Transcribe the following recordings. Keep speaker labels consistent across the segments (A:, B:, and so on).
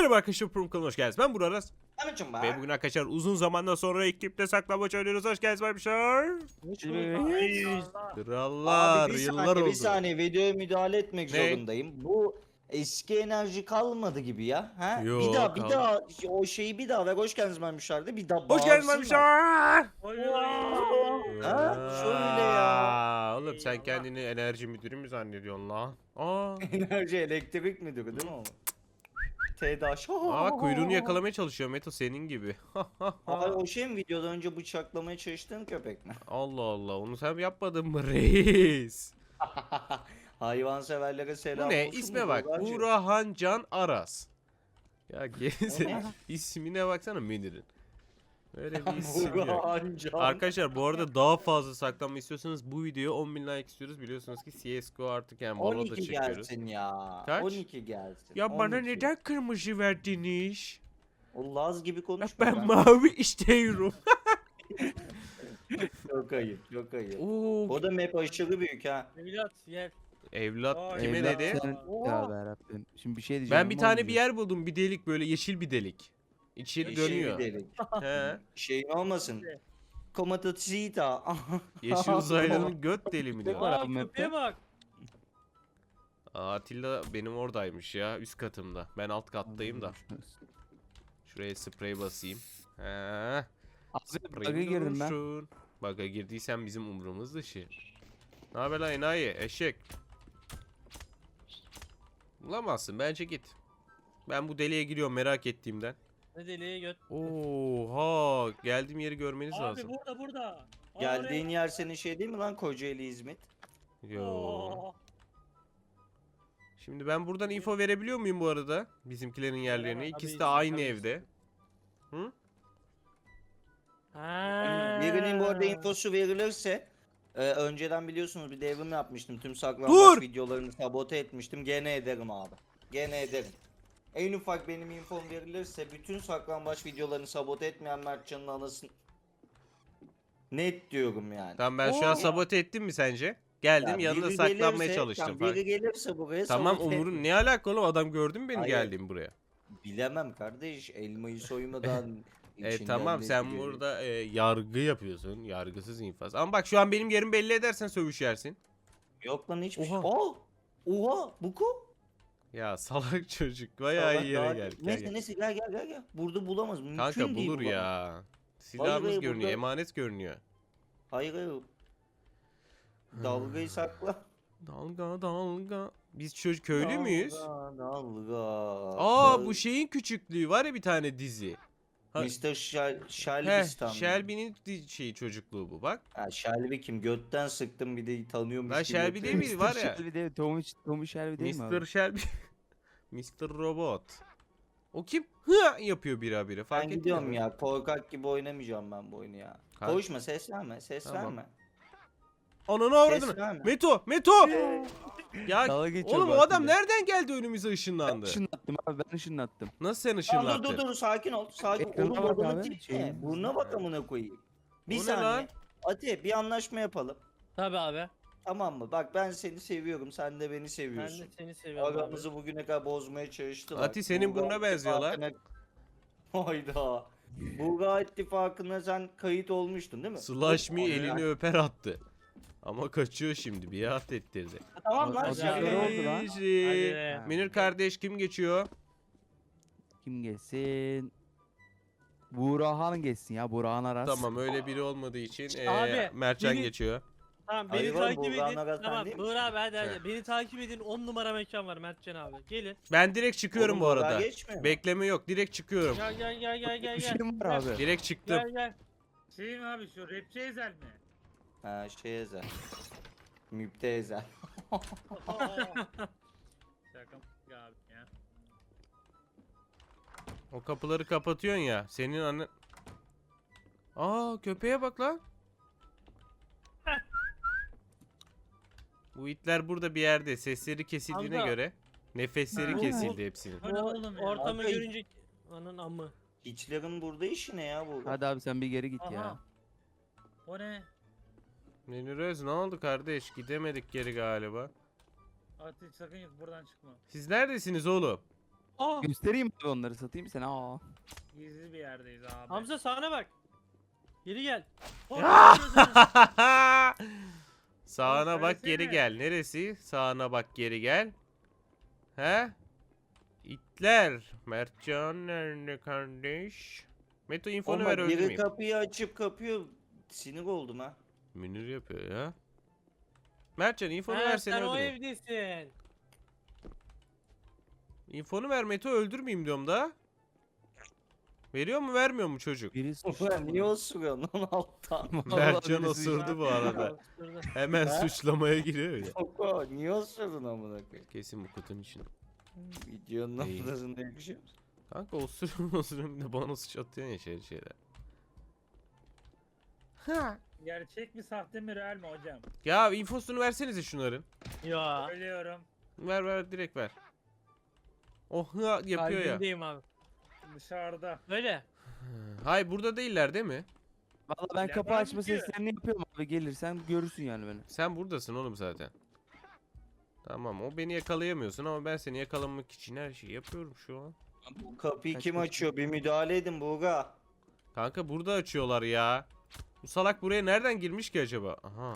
A: Merhaba arkadaşlar, Prum kanalına hoş geldiniz. Ben Burak Aras.
B: Anacım be.
A: Ve bugün arkadaşlar uzun zamandan sonra ekipte saklambaç oynuyoruz. Hoş geldiniz arkadaşlar. Krallar,
B: Abi bir
A: yıllar
B: saniye,
A: oldu.
B: bir saniye videoya müdahale etmek
A: Ne?
B: zorundayım. Bu eski enerji kalmadı gibi ya. Ha?
A: Yo,
B: bir daha
A: kaldı.
B: o şeyi bir daha ver. Hoş geldiniz Memişler'de bir daha
A: Hoş geldiniz
B: bağırsınlar.
A: arkadaşlar.
B: Ha? Şöyle ya.
A: Oğlum sen kendini enerji müdürü mü zannediyorsun lan?
B: Enerji elektrik müdürü değil mi o? TEDAŞ.
A: Kuyruğunu yakalamaya çalışıyor Meto senin gibi.
B: Ay, o şey mi videodan önce bıçaklamaya çalıştığın köpek mi?
A: Allah Allah, onu sen yapmadın mı reis?
B: Hayvanseverlere selam
A: Bu ne?
B: olsun
A: İsme
B: mu
A: bak.
B: Buracığım?
A: Burhan Can Aras. Ya geze
B: ne?
A: ismine baksana Münir'in. Öyle bir isim yok.
B: Burhan Can.
A: Arkadaşlar bu arada daha fazla saklanma istiyorsanız bu videoya 10.000 like istiyoruz. Biliyorsunuz ki CSGO artık yani Valo da
B: 12
A: çekiyoruz.
B: gelsin ya.
A: Kaç?
B: 12 gelsin.
A: Ya bana
B: 12.
A: neden kırmızı verdiniz?
B: O Laz gibi
A: Ya
B: konuşma.
A: ben mavi istiyorum.
B: Çok ayıp, çok ayıp.
A: Oo,
B: O da map aşırı büyük ha.
C: Evlat yer.
A: evlat
C: Vay
A: kime
C: evlat
A: dedi?
C: sen-
D: Ya Rabbim. Şimdi bir şey diyeceğim.
A: Ben bir tane bir yer buldum, bir delik, böyle yeşil bir delik. İçi
B: Yeşil
A: dönüyor.
B: bir delik.
A: He.
B: Şeyin olmasın. Komatosita.
A: Yeşil uzaylının göt deli mi diyor.
D: Var
C: Aa
D: abi map'te.
C: köpeğe bak.
A: Atilla benim oradaymış ya, üst katımda. Ben alt kattayım da. Şuraya sprey basayım. He.
D: Abi bug'a girdim ben.
A: Dursun. Bug'a girdiysen bizim umurumuz dışı. Ne haber lan enayi eşek? Bulamazsın, bence git. Ben bu deliğe giriyorum merak ettiğimden.
C: Ne deliğe göt.
A: Oha, geldiğim yeri görmeniz
C: Abi
A: lazım.
C: burada. Aa,
B: Geldiğin
C: oraya.
B: yer senin şey değil mi lan Kocaeli İzmit?
A: Yo.
C: Oo.
A: Şimdi ben buradan info verebiliyor muyum bu arada? Bizimkilerin yerlerini.
C: Veremem,
A: İkisi
C: tabii
A: de
C: ki,
A: aynı
C: tabii ki.
A: evde. Hı?
C: Ha.
B: Birinin bu arada infosu verilirse önceden biliyorsunuz bir devrim yapmıştım. Tüm
A: Dur!
B: saklambaç videolarını sabote etmiştim. Gene ederim abi. Gene ederim. En ufak benim infom verilirse bütün saklambaç videolarını sabote etmeyen Mertcan'ın anasını net diyorum yani.
A: Tamam, ben şu an
C: Oo.
A: sabote ettim mi sence? Geldim
B: Ya
A: yanına
B: biri
A: saklanmaya
B: gelirse-
A: çalıştım
B: tamam,
A: falan.
B: biri gelirse buraya
A: Tamam
B: sabote
A: umurun
B: etme.
A: ne alaka oğlum, adam gördü mü benim
B: Hayır.
A: geldiğimi buraya?
B: Bilemem kardeş, elmayı soymadan içinden
A: Tamam
B: ne
A: sen
B: geliyor?
A: burada yargı yapıyorsun. Yargısız infaz. Ama bak şu an benim yerimi belli edersen sövüş yersin.
B: Yok lan hiçbir şey.
A: Oha.
B: Aa! Oha! Buku.
A: Ya salak çocuk. Bayağı iyi yere geldik. Gel,
B: Neyse
A: gel.
B: neyse gel. Burada bulamaz. Mümkün
A: Kanka
B: değil
A: bulur
B: bulamaz.
A: ya. Silahımız
B: hayır,
A: görünüyor.
B: burada-
A: Emanet görünüyor.
B: Hayır. Dalgayı sakla.
A: Dalga dalga. Biz çocuk köylü müyüz?
B: Dalga.
A: Aa, bu şeyin küçüklüğü var ya, bir tane dizi. Ha-
B: Mr. Shelby
A: Heh,
B: Stan.
A: Shelby'nin şeyi, çocukluğu bu bak.
B: Ha, Shelby kim? Götten sıktım bir de tanıyormuş
A: Lan
B: gibi
A: Shelby
B: yapıyor.
A: değil miydi? Var ya.
D: Shelby değil, Tommy Shelby değil mi
A: Mr.
D: abi?
A: Shelby. Mr. Robot. O kim? Hı yapıyor bire fark
B: Ben
A: ettin
B: gidiyorum
A: mi?
B: ya. Korkak gibi oynamayacağım ben bu oyunu ya.
A: Kanka.
B: Konuşma, ses verme. Ses
A: Tamam.
B: verme.
A: Ananı
B: Ses
A: avradını.
B: verme.
A: Meto! Ya
D: Dalga geçiyor
A: oğlum
D: bu
A: o adam
D: Atilla.
A: nereden geldi önümüze
D: Ben
A: ışınlandı?
D: ışınlattım abi, ben ışınlattım.
A: Nasıl sen
B: Tamam,
A: ışınlattın?
B: dur sakin ol. Sakin.
D: Ekrana
B: Oğlum
D: bak
B: adamın
D: abi,
B: tipi ne?
D: şeyin-
B: Burnuna bak amına koyayım. Bir
A: O ne
B: saniye.
A: lan?
B: Ati bir anlaşma yapalım.
C: Tabii abi.
B: Tamam mı? Bak ben seni seviyorum. Sen de beni
C: Ben
B: seviyorsun.
C: de seni seviyorum abi.
B: Aramızı bugüne kadar bozmaya çalıştılar.
A: Ati, senin
B: Bulgar
A: burnuna benziyor lan.
B: İttifakı'na- Hayda. Bulgar İttifakı'na sen kayıt olmuştun değil mi?
A: Slash me
B: Hop,
A: elini öper attı. Ama kaçıyor şimdi, biat ettirdi.
B: Tamam lan.
D: Hadi
B: şaka
D: abi.
B: yapıyorum.
D: oldu lan?
C: Hadi be.
A: Münir kardeş kim geçiyor?
D: Kim geçsin? Burhan geçsin ya, Burhan Aras.
A: Tamam, öyle biri olmadığı için
C: Abi,
A: Mertcan
C: biri-
A: geçiyor.
C: Tamam
B: Hayır
C: beni
B: oğlum,
C: takip
B: Bulgar
C: edin.
B: Nagat
C: Tamam
B: sen değil
C: Buğra abi hadi
A: He.
C: hadi. Beni takip edin. 10 numara mekan var Mertcan abi. Gelin.
A: Ben direkt çıkıyorum
B: Oğlum,
A: bu
B: Bulgar
A: arada.
B: geçmiyor mu?
A: Bekleme yok, direkt çıkıyorum.
C: Gel.
D: Bir şey mi var abi?
A: Direkt çıktım.
C: Gel.
E: Şey mi abi, şu rapçi Ezel mi?
B: Ha şey ezel. Müptezel.
E: Şaka abi ya.
A: O kapıları kapatıyorsun ya. Senin annen... Aa, köpeğe bak lan. Bu itler burada bir yerde. Sesleri kesildiğine
C: Hamza.
A: göre nefesleri
E: Ha.
A: kesildi hepsinin.
E: O ne oğlum ya?
C: Ortamı
B: Abi-
C: görünce anın amı.
B: Hiçlerin burada işi ne ya bu?
D: Hadi abi sen bir geri git ya.
E: Aha. O ne?
A: Menüröz, ne oldu kardeş? Gidemedik geri galiba.
E: Ati sakın yok, buradan çıkma.
A: Siz neredesiniz oğlum?
C: Aa,
D: Göstereyim abi onları satayım sana. Aa.
E: Gizli bir yerdeyiz abi.
C: Hamza sağına bak. Geri gel.
A: Sağına
E: Oğlum
A: bak geri
E: söylesene.
A: gel. Neresi? Sağına bak geri gel. He? İtler. Mertcan nerede kardeş? Meto infonu
B: Ama
A: ver
B: biri
A: öldürmeyeyim.
B: kapıyı açıp kapıyor. Sinir oldum ha.
A: Münir yapıyor ya. Mertcan infonu
C: Ha,
A: versene
C: sen o
A: öldürmeyeyim.
C: evdesin.
A: İnfonu ver Meto öldürmeyeyim diyorum da. Veriyor mu vermiyor mu çocuk?
D: Biri
B: Ulan niye osuruyorsun lan alttan?
A: Mertcan
D: birisi
A: osurdu bu arada.
C: Şurada.
A: Hemen
B: Ha?
A: suçlamaya giriyor ya.
B: Koko niye osurdun amına koyayım?
A: Kesin bu kutunun için.
B: Videonun
A: İyi.
B: ortasında yakışıyor musun?
A: Kanka osuruyorum da bana suç atıyorsun ya şeyler. Ha.
E: Gerçek mi sahte mi real mi hocam?
A: Ya infosunu versenize şunların.
C: Ya.
E: Söylüyorum.
A: Ver direkt ver. Oh hı yapıyor ya.
C: Kalbindeyim abi.
E: Dışarıda.
C: Öyle.
A: Hay burada değiller değil mi?
D: Valla ben kapı
E: Bilemem
D: açma
E: ki.
D: seslerini yapıyorum abi, gelirsen görürsün yani beni.
A: Sen buradasın oğlum zaten. Tamam o beni yakalayamıyorsun ama ben seni yakalamak için her şeyi yapıyorum şu an.
B: Bu kapıyı
D: Kaç,
B: kim
D: kaç,
B: açıyor? Bir müdahale edin Buğra.
A: Kanka burada açıyorlar ya. Bu salak buraya nereden girmiş ki acaba? Aha.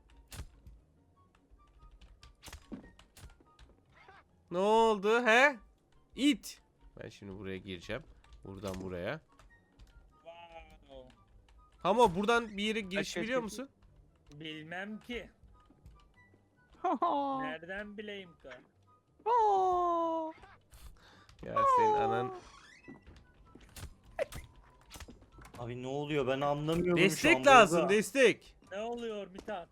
A: Ne oldu he? İt. Ben şimdi buraya gireceğim. Buradan buraya.
E: Wow.
A: Ama buradan bir yere giriş
D: kaç,
A: biliyor
D: kaç.
A: musun?
E: Bilmem ki. Nereden bileyim ki?
A: Ya senin anan.
B: Abi ne oluyor ben anlamıyorum şu an
A: Destek lazım
B: Buğra.
A: destek.
E: Ne oluyor Mithat?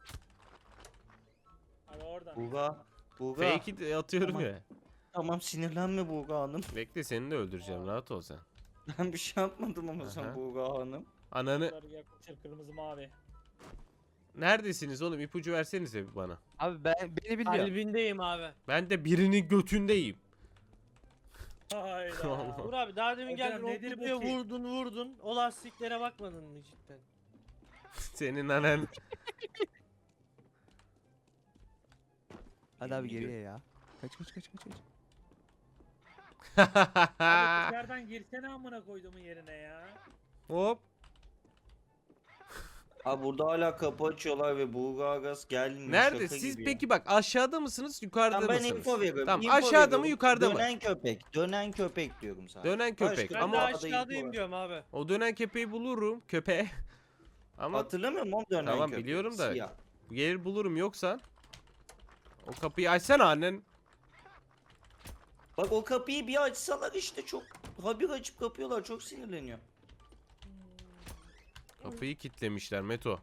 E: Abi oradan.
B: Buğra.
A: Fake it atıyorum
B: Tamam.
A: ya.
B: Tamam sinirlenme Buğra Hanım.
A: Bekle seni de öldüreceğim rahat ol sen.
B: Ben bir şey yapmadım ama
A: Aha.
B: sen Buğra Hanım.
A: Ananı.
E: Bunları yaklaşır kırmızı mavi.
A: Neredesiniz oğlum ipucu versenize bir bana.
D: Abi beni biliyor.
C: Kalbindeyim abi.
A: Ben de birinin götündeyim.
E: Hayda.
A: Allah.
C: Dur abi daha demin
E: Hocam
C: geldin o
E: nedir bu
C: kutuya
E: ki?
C: vurdun. O lastiklere bakmadın mı cidden?
A: Senin anan.
D: Hadi abi geriye ya. Kaç.
E: Abi dışarıdan girsene amına koyduğumun yerine ya.
A: Hop.
B: Abi burada hala kapı açıyorlar ve Buğra Gaz gelmiyor.
A: Nerede?
B: şaka
A: Siz
B: gibi
A: peki
B: ya.
A: bak aşağıda mısınız yukarıda
B: Tamam, ben
A: mısınız?
B: info veriyorum.
A: Tamam
B: info
A: aşağıda mı
B: veriyorum.
A: yukarıda mı?
B: Dönen köpek diyorum sana.
A: Dönen köpek.
C: Ben
A: Ama-
C: de
B: Daha da info
C: aşağıdayım
B: ver.
C: diyorum abi.
A: O dönen köpeği bulurum köpeği. Ama
B: Hatırlamıyor musun o dönen
A: Tamam,
B: köpek?
A: biliyorum da-
B: Siyah.
A: gelir bulurum yoksa. O kapıyı açsana annen.
B: Bak o kapıyı bir açsalar işte çok habire açıp kapıyorlar çok sinirleniyor.
A: Kapıyı kilitlemişler Meto.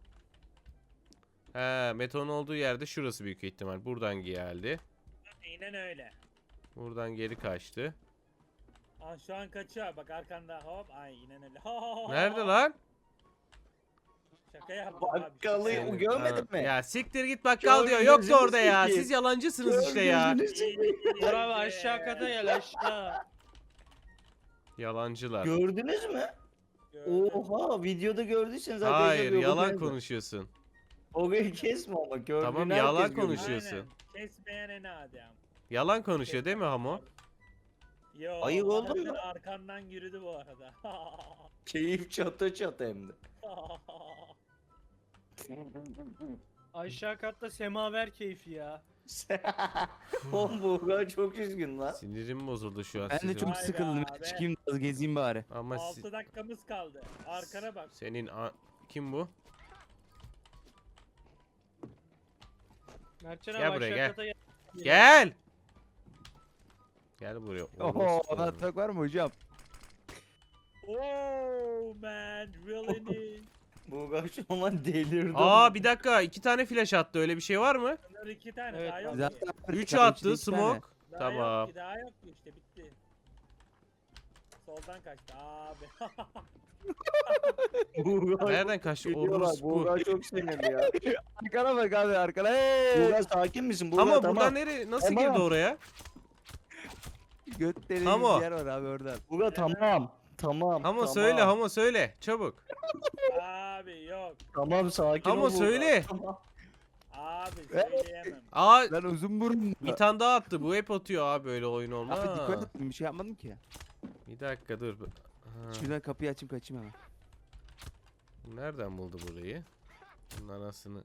A: He Meto'nun olduğu yerde şurası büyük ihtimal. Buradan geldi.
E: Aynen öyle.
A: Buradan geri kaçtı.
E: Aa, şu an kaçıyor bak arkanda hop aynen öyle.
A: Nerede lan?
E: Şaka yaptım abi.
B: Bakkalı
E: şaka yaptım.
B: görmedin mi?
A: Ya siktir git bakkal diyor.
B: Kör
A: Yoktu
B: gözünü
A: orada ya.
B: seveyim.
A: Siz yalancısınız işte ya.
B: Gözünü seveyim.
C: Dur abi aşağı kata gel aşağı.
A: Yalancılar.
B: Gördünüz mü?
E: Gördüm.
B: Oha videoda gördüyseniz zaten
A: Hayır
B: yazıyor,
A: yalan
B: bakın.
A: konuşuyorsun.
B: Orayı kesme ama gördüğün
A: Tamam,
B: herkes
A: yalan
B: görüyor.
A: konuşuyorsun.
E: Aynen. Kesmeyen en adam.
A: Yalan konuşuyor değil mi Hamo?
E: Yo,
B: Ayıp oldu
E: anasını
B: mu?
E: arkandan yürüdü bu arada.
B: Keyif çatı çatı hem de.
C: Aşağı katta semaver keyfi ya.
B: Oğlum Buğra çok üzgün lan.
A: Sinirim bozuldu şu an
D: Ben de
A: sizin.
D: çok
E: Vay be
D: sıkıldım.
E: abi.
D: Çıkayım biraz gezeyim bari.
A: Ama
E: 6 dakikamız kaldı. Arkana bak.
A: senin kim bu?
C: Mertcan
A: Gel
C: abi
A: buraya,
C: aşağı
A: gel.
C: kata gel.
A: Gel. Gel buraya.
D: Oho
A: Orospu.
D: anlatmak var mı hocam?
E: Oh man, really need.
B: Buğra şu an delirdi.
A: Aa bir dakika 2 tane flash attı öyle bir şey var mı?
E: Bunlar 2 tane
C: Evet,
E: daha yok ki.
D: Zaten
A: 3
D: Zaten
A: attı
D: içinde iki tane.
A: smoke.
E: Daha
A: Tamam.
E: yok ki, daha yok ki işte bitti. Soldan kaçtı abi.
B: Buğra
A: Nereden kaçtı?
B: geliyorlar.
A: Orospu.
B: Buğra çok sinirli ya.
D: Arkana bak abi arkana. Hey!
B: Buğra sakin misin? Buğra
A: Ama
B: tamam.
A: buradan nereye nasıl
B: Tamam.
A: girdi oraya?
D: Göt deliği
A: Hamo.
D: bir yer var abi oradan.
B: Buğra tamam. Tamam.
A: Hamo
B: tamam.
A: söyle Hamo söyle çabuk.
E: Abi yok.
B: Tamam sakin
A: Hamo
B: ol Buğra.
A: söyle.
B: Tamam.
E: Abi söyleyemem.
A: Aa
D: Lan uzun burun.
A: bir tane daha attı. Bu hep atıyor abi böyle oyun olmaz.
D: Abi dikkat ettim bir şey yapmadım ki.
A: Bir dakika dur. Ha,
D: Şuradan kapıyı açayım kaçayım hemen.
A: nereden buldu burayı? Bunun anasını.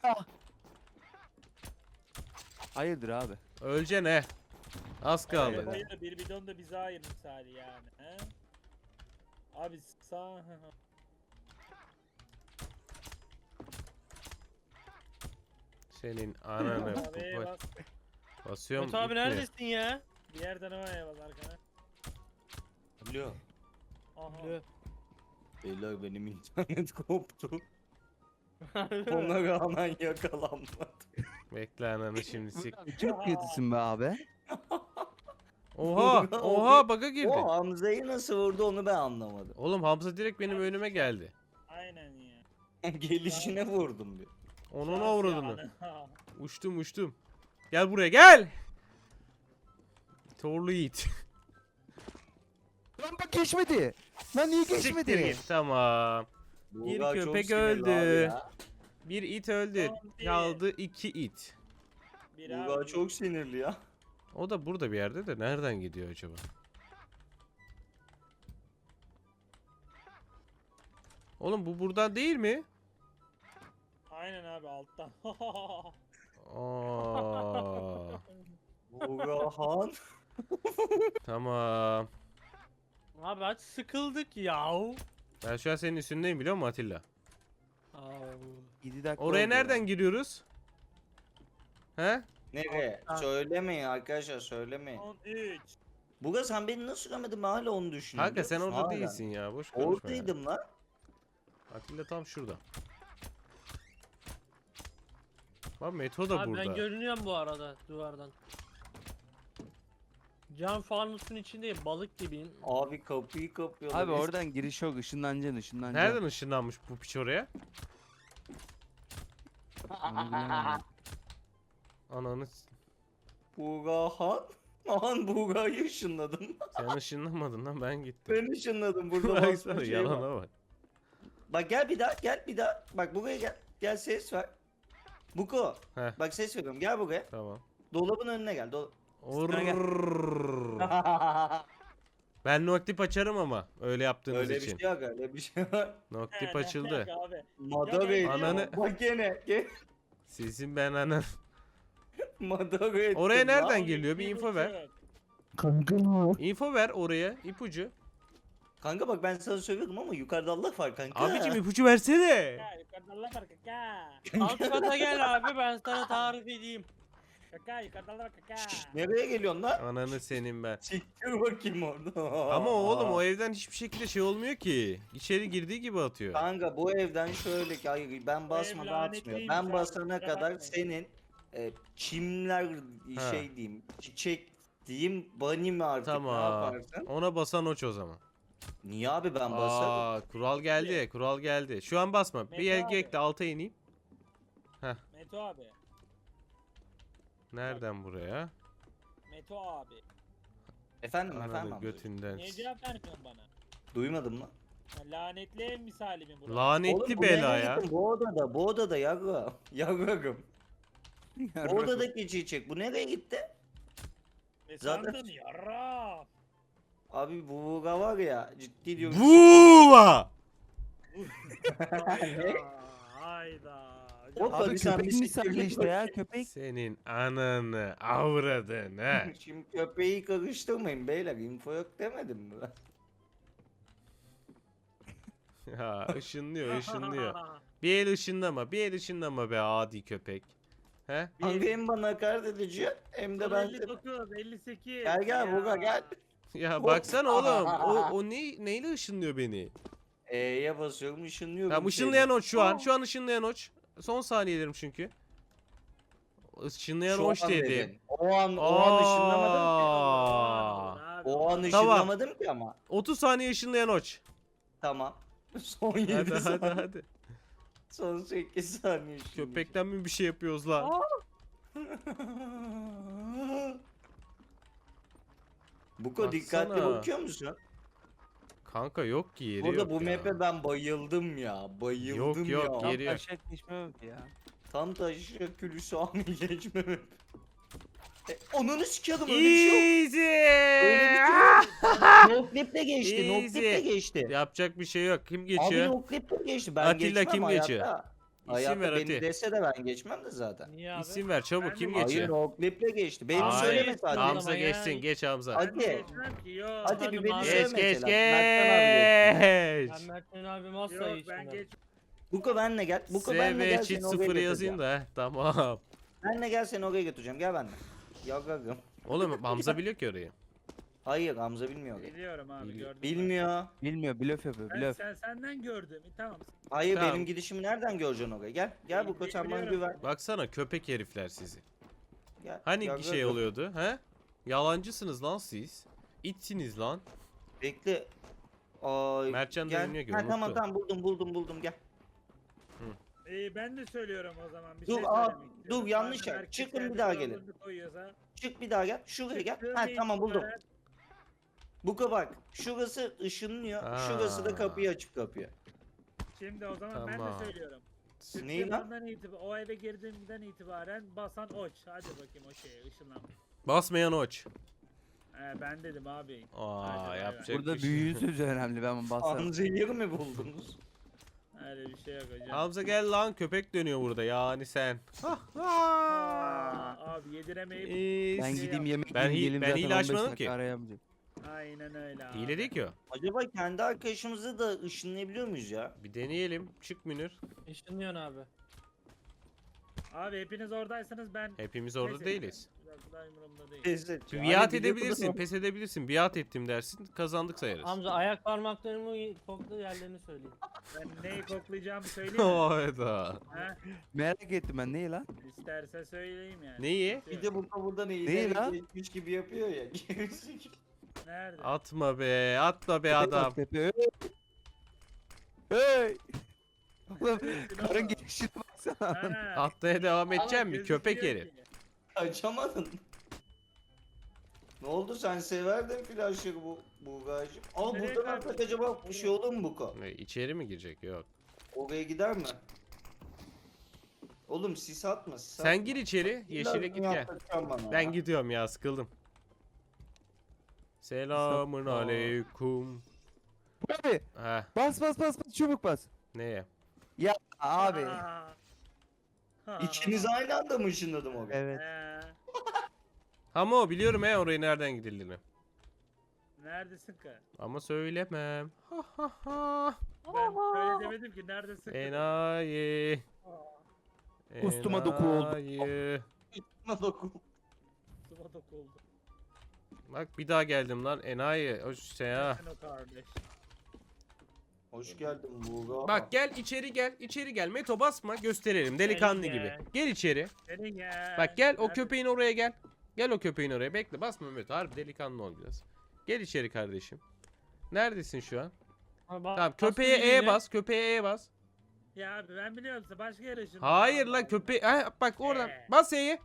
D: Hayırdır abi?
A: Öleceksin he. Az kaldı.
E: Hayır, bir bidon da bize ayır misali yani. He? Abi sağ...
A: Senin ananı.
E: Abi bas.
A: Basıyorum.
C: Mete abi
A: gitmiyor.
C: neredesin ya?
E: Diğer tarafa bas arkana.
B: Alo.
E: Aha.
C: Alo.
B: Beyler benim internet koptu. Ona rağmen yakalanmadım.
A: Bekle ananı şimdi sik.
D: Çok kötüsün be abi.
A: Oha! Oha bug'a girdi.
B: O Hamza'yı nasıl vurdu onu ben anlamadım.
A: Oğlum Hamza direkt benim önüme geldi.
E: Aynen ya.
B: Gelişine vurdum bir.
A: Onun
E: Şans
A: avradını.
E: yani.
A: Uçtum. Gel buraya gel. Torlu Yiğit.
D: Lan bak geçmedi. Lan niye
A: Siktir
D: geçmedi?
A: git. Tamam. Bir
B: Buğra çok
A: köpek
B: sinirli
A: öldü.
B: abi ya.
A: Bir it öldü.
E: Son bir.
A: Kaldı 2 it.
E: Bir
B: Buğra
E: abi.
B: çok sinirli ya.
A: O da burada bir yerde de nereden gidiyor acaba? Oğlum bu buradan değil mi?
E: Aynen abi alttan.
A: Aa,
B: Buğrahan.
A: tamam.
C: Abi hadi sıkıldık yahu.
A: Ben şu an senin üstündeyim biliyor musun Atilla?
D: 7 dakika
A: Oraya
D: oldu
A: nereden
D: ya.
A: giriyoruz? He?
B: Nereye? Söylemeyin arkadaşlar söylemeyin.
E: 13.
B: Buğra sen beni nasıl görmedin ben hala onu düşünüyorum.
A: Kanka sen
B: biliyor musun?
A: orada
B: Hala.
A: değilsin ya. Boş konuşma ya.
B: Oradaydım lan.
A: Atilla tam şurada. Bak Meto da
C: Abi
A: burada.
C: ben görünüyorum bu arada duvardan. Cam fanusun içindeyim balık gibiyim.
B: Abi kapıyı kapıyorlar.
D: Abi oradan giriş yok ışınlanacaksın.
A: Nereden ışınlanmış bu piç oraya?
D: Onu bilemedim.
A: Ananı s-
B: Buğrahan. Aman Buğra'yı ışınladım.
A: sen ışınlanmadın lan ben gittim.
B: Ben ışınladım burada
A: Baksana
B: basma şey var.
A: yalana bak.
B: Bak gel bir daha gel bir daha. Bak buraya gel. Gel ses ver. Buko.
A: Heh.
B: Bak ses veriyorum gel buraya.
A: Tamam.
B: Dolabın önüne gel.
A: Orrrr. Ben noktip açarım ama öyle yaptığınız
B: Öyle bir
A: için.
B: şey yok öyle bir şey yok.
A: Noktip
E: Ne
A: açıldı.
E: alaka Abi.
B: Madara
E: Ya,
B: ediyor.
A: ananı-
B: Bak gene.
A: Sizin ben anan.
B: Madara ettim.
A: Oraya nereden
B: lan.
A: geliyor? Bir info ver.
D: Kanka.
A: Info ver oraya. ipucu.
B: Kanka bak ben sana söylüyorum ama yukarıda Allah var kanka.
A: Abicim ipucu versene.
E: Ya yukarıda Allah var kaka.
C: Alt kata gel abi ben sana tarif edeyim.
E: Kaka yukarıda Allah var kaka.
B: Nereye geliyorsun lan?
A: Ananı senin ben.
B: Siktir bakayım orada.
A: Ama oğlum o evden hiçbir şekilde şey olmuyor ki. İçeri girdiği gibi atıyor.
B: Kanka bu evden şöyle ki hayır ben basmadan atmıyor.
E: lanetliymiş
B: Ben
E: abi,
B: basana
E: kusura
B: kadar
E: bakmayın.
B: senin çimler
A: Ha.
B: şey diyeyim çiçek diyeyim bunny mi artık ne
A: Tamam.
B: yaparsın?
A: Ona basan oç o zaman.
B: Niye abi ben basarım?
A: Aa, kural geldi. Kural geldi. Şu an basma. Bir
E: Mete
A: el
E: abi.
A: ekle alta ineyim.
E: Meto abi.
A: Nereden buraya?
E: Meto abi.
B: Efendim efendim
A: Ananı
B: amca.
E: Niye
A: götünden.
E: cevap vermiyorsun bana?
B: Duymadım lan.
E: Ya, lanetli ev misali mi burası?
A: Lanetli
B: Oğlum, bu
A: bela
B: nereye
A: ya.
B: gittin? Bu odada yavrum. Yavrum. Bu odadaki çiçek bu nereye gitti?
E: Ne
B: zaten-
E: sandın yarra?
B: Abi bu buga var ya ciddi diyorum.
A: Buva!
E: Hayda.
B: Hop,
D: Abi
B: Tabii sen
D: köpek
B: bir
D: misali
B: siktir
D: işte ya köpek.
A: Senin ananı avradın ha.
B: Şimdi köpeği karıştırmayın beyler info yok demedim mi ben?
A: Ya ışınlıyor. Bir el ışınlama. Bir el ışınlama be adi köpek. He?
B: Kanka hem bana hakaret edici hem de ben...
E: 59, 58.
B: Gel gel Buga gel.
A: Ya baksana oğlum. O neyle ışınlıyor beni?
B: E'ye basıyorum ışınlıyorum.
A: Tamam ışınlayan oç şu an. Şu an ışınlayan oç. Son saniyelerim çünkü. Işınlayan
B: Şu
A: oç
B: an
A: dedim.
B: dedin. O an ışınlamadım ki.
A: Aa.
B: O an
A: Tamam.
B: ışınlamadım ki ama.
A: 30 saniye ışınlayan oç.
B: Tamam. Son 7
A: Hadi
B: saniye.
A: hadi.
B: Son 8 saniye ışınlayacağım.
A: Köpekten mi bir şey yapıyoruz lan?
B: Buko dikkatli
A: Baksana.
B: bakıyor musun?
A: Kanka yok ki yeri
B: Burada
A: yok
B: bu
A: ya.
B: map'e ben bayıldım ya. Bayıldım
A: Yok,
B: ya.
A: yok, yeri yok.
D: Taşak geçme yok ya.
B: Kan taşı külüsü ami geçmemem. Onunu sikiyordum öyle bir şey yok. Öyle bir şey yok. No clip'le geçti. No
A: Easy.
B: clip'le geçti.
A: Yapacak bir şey yok. Kim
B: Abi
A: geçiyor?
B: no clip'le geçti. Ben
A: Atilla
B: geçmem
A: kim
B: hayatta.
A: geçiyor?
B: Hayatta
A: ver
B: beni
A: Ati.
B: dese de ben geçmem de zaten.
C: Niye abi?
A: İsim ver çabuk.
E: Ben
A: Kim
E: de-
B: Hayır
A: geçiyor?
B: no clip'le geçti. Beni
A: Hayır,
B: söyleme sadece.
C: Hamza
A: Hamza
C: ya.
A: geçsin. Geç Hamza.
B: Hadi.
E: Ben de geçmem ki yok.
B: Hadi bir
C: Hadi
B: beni
C: abi.
B: söyle
A: Geç geç
B: mesela. Mertcan abi geçsin.
A: geç.
C: Ben Mert'in abim asla
E: Yok ben
C: geçmiyorum.
E: geç.
B: Buko benle gel. Buko benle gel
A: SV
B: seni
A: çift
B: oraya
A: 0 yazayım
B: götüreceğim.
A: da. Tamam.
B: Benle gel seni oraya götüreceğim. Gel benimle. Yagagım.
A: Oğlum Hamza biliyor ki orayı.
B: Hayır Hamza bilmiyor orayı.
E: Biliyorum abi
A: Biliyor.
E: gördüm.
B: Bilmiyor.
D: Bilmiyor, blöf yapıyor,
E: Ben
D: blöf.
E: senden gördüm. Tamam.
B: Hayır
A: Tamam.
B: benim gidişimi nereden göreceksin oraya? Gel. Gel Buko sen bana
E: Biliyorum.
B: güven.
A: Baksana köpek herifler sizi.
B: Gel.
A: Hani
B: Yagagım.
A: şey oluyordu he? Yalancısınız lan siz. İtsiniz lan.
B: Bekle. Ay,
A: Mertcan da
B: gel.
A: iniyor ki,
B: Ha, tamam
A: unuttu.
B: tamam buldum gel.
E: Ben de söylüyorum o zaman. Bir
B: Dur,
E: şey
B: aa,
E: söylemek istiyorum.
B: dur, yanlış
E: Madem
B: yer.
E: herkes
B: Çıkın, bir
E: kendi
B: daha
E: kurallarını
B: gelin.
E: koyuyorsa,
B: Çık bir daha gel. Şuraya gel.
E: çıktığım
B: Ha tamam buldum.
E: itibaren-
B: Buko bak. Şurası ışınlıyor.
A: Aa.
B: Şurası da kapıyı açıp kapıyor.
E: Şimdi o zaman ben
A: Tamam.
E: de söylüyorum.
B: Neyi
E: Çıktığım
B: lan?
E: andan o eve girdiğimden itibaren basan oç. Hadi bakayım o şeye ışınlan.
A: Basmayan oç.
E: Ben dedim abi.
A: Aa
E: Hadi bay
A: yapacak
D: Burada
A: bir şey
D: büyüğün
A: yok.
D: sözü önemli, ben basarım.
B: Hamza'yı mi buldunuz?
E: Öyle bir şey yok hocam.
A: Hamza gel lan köpek dönüyor burada yani sen.
E: Abi yediremeyip
D: Ben
A: İyi.
D: gideyim yemek
A: Ben
D: yiyeyim, geleyim
A: ben
D: zaten
A: hile
D: 15
A: açmadım
D: dakika
A: ki.
D: arayamayacağım.
E: aynen öyle abi.
A: Hile değil ki o.
B: Acaba kendi arkadaşımızı da ışınlayabiliyor muyuz ya?
A: Bir deneyelim. Çık Münir.
C: Işınlıyorsun abi.
E: Abi hepiniz oradaysanız ben...
A: Hepimiz orada
E: Neyse,
A: değiliz.
E: biraz daha umurumda değil.
B: Teyze.
A: Bir biat edebilirsin, pes edebilirsin. Biat ettim dersin, kazandık sayarız.
C: Hamza ayak parmaklarımı kokla yerlerini söyleyeyim.
E: Ben neyi koklayacağımı söyleyeyim mi?
A: Hayda.
E: Ha?
D: Merak ettim ben, neyi lan?
E: İsterse söyleyeyim yani.
A: Neyi?
B: Bir de bu buradan
D: Değil lan.
B: eğilerek geçmiş gibi yapıyor ya. Gerizekalı.
E: Nerede?
A: Atma be, atma be adam.
D: Tepe, hey! Hey! Oğlum karın gelişine baksana.
E: Ha,
A: Atmaya devam edeceğim mi?
E: gözüküyor
A: Köpek
E: ki.
A: herif.
B: Açamadın. Ne oldu sen severdin flaşları bu gaycım. Aa
E: Nereye
B: buradan
E: kaydın?
B: atsak acaba bir şey olur mu Buko?
A: İçeri mi girecek? Yok.
B: Oraya gider mi? Oğlum sis atma sis
A: Sen
B: atma.
A: gir içeri, yeşile git gel. Ben gidiyorum ya, sıkıldım. Selamun
D: Aa.
A: aleyküm.
D: Abi
A: Heh,
D: bas bas bas bas, çabuk bas.
A: neye?
D: Ya abi.
E: Ha.
B: İkiniz aynı anda mı ışınladım oraya?
D: Evet.
A: Ama o biliyorum orayı nereden gidildiğini.
E: Neredesin ki?
A: Ama söylemem. Ha ha ha.
E: Ben öyle demedim ki neredesin ki?
A: Enayi.
D: Kostuma doku oldu.
A: Enayi.
B: Bana dokun.
E: Sıva dokuldu.
A: Bak bir daha geldim lan enayi. Hoş şey ha.
E: Sen o kardeş.
B: Hoş geldin Buğra.
A: Bak gel içeri gel. İçeri gel. Meto basma gösterelim delikanlı
C: Gel,
A: gibi.
C: gel.
A: Gel içeri.
E: Senin ya.
A: Bak gel o
E: Nerede-
A: köpeğin oraya gel. Gel o köpeğin oraya. Bekle basma Meto. Harbi delikanlı ol biraz. Gel içeri kardeşim. Neredesin şu an? Tamam köpeğe E bas. Köpeğe E bas.
E: Ya abi ben biliyorum size başka yere ışınlandım.
A: Hayır lan köpeğe. Bak oradan.
E: Ee.
A: Bas E'yi.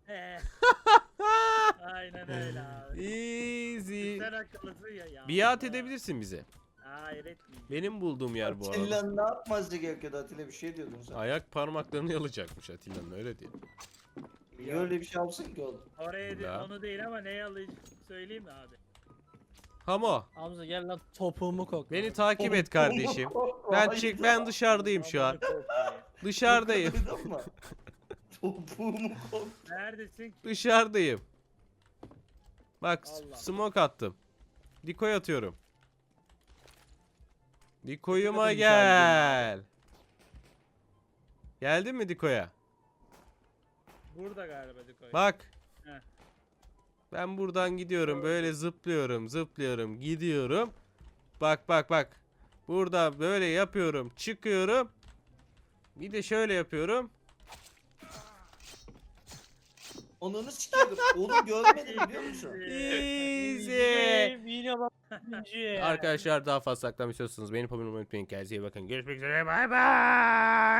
E: Aynen öyle abi.
A: Easy.
E: Sen akıllısın ya.
A: Biat edebilirsin bize.
E: Hayır etmeyeyim.
A: Benim bulduğum yer bu arada.
B: Atilla ne yapması gerekiyordu Atilla bir şey diyordun sen.
A: Ayak parmaklarını yalacakmış Atilla'nın öyle diye.
B: Niye öyle bir şey yapsın ki oğlum?
E: Oraya
A: Ya.
E: onu değil ama neyi alayım söyleyeyim mi abi?
A: Hamo.
C: Hamza gel lan topuğumu kokla.
A: Beni takip et kardeşim. Ben dışarıdayım şu an.
E: Allah'ını korkmayın.
A: Dışarıdayım.
B: Duydun mu? Topuğumu kop.
E: Neredesin ki?
A: Dışarıdayım. Bak
E: Allah.
A: smoke attım. Dikoy atıyorum. Dikoyuma
D: Dikkat edin
A: gel. Geldin mi Dikoya?
E: Burada galiba Dikoy.
A: Bak.
E: Heh.
A: Ben buradan gidiyorum. Böyle zıplıyorum. Gidiyorum. Bak. Burada böyle yapıyorum. Çıkıyorum. Bir de şöyle yapıyorum.
B: Onunu sikiyordum. Oğlum görmedim biliyor musun?
A: Easy.
C: Yine bak.
A: Arkadaşlar daha fazla saklamak istiyorsanız beni unutmayın. Kendinize iyi bakın. Görüşmek üzere. Bay bay.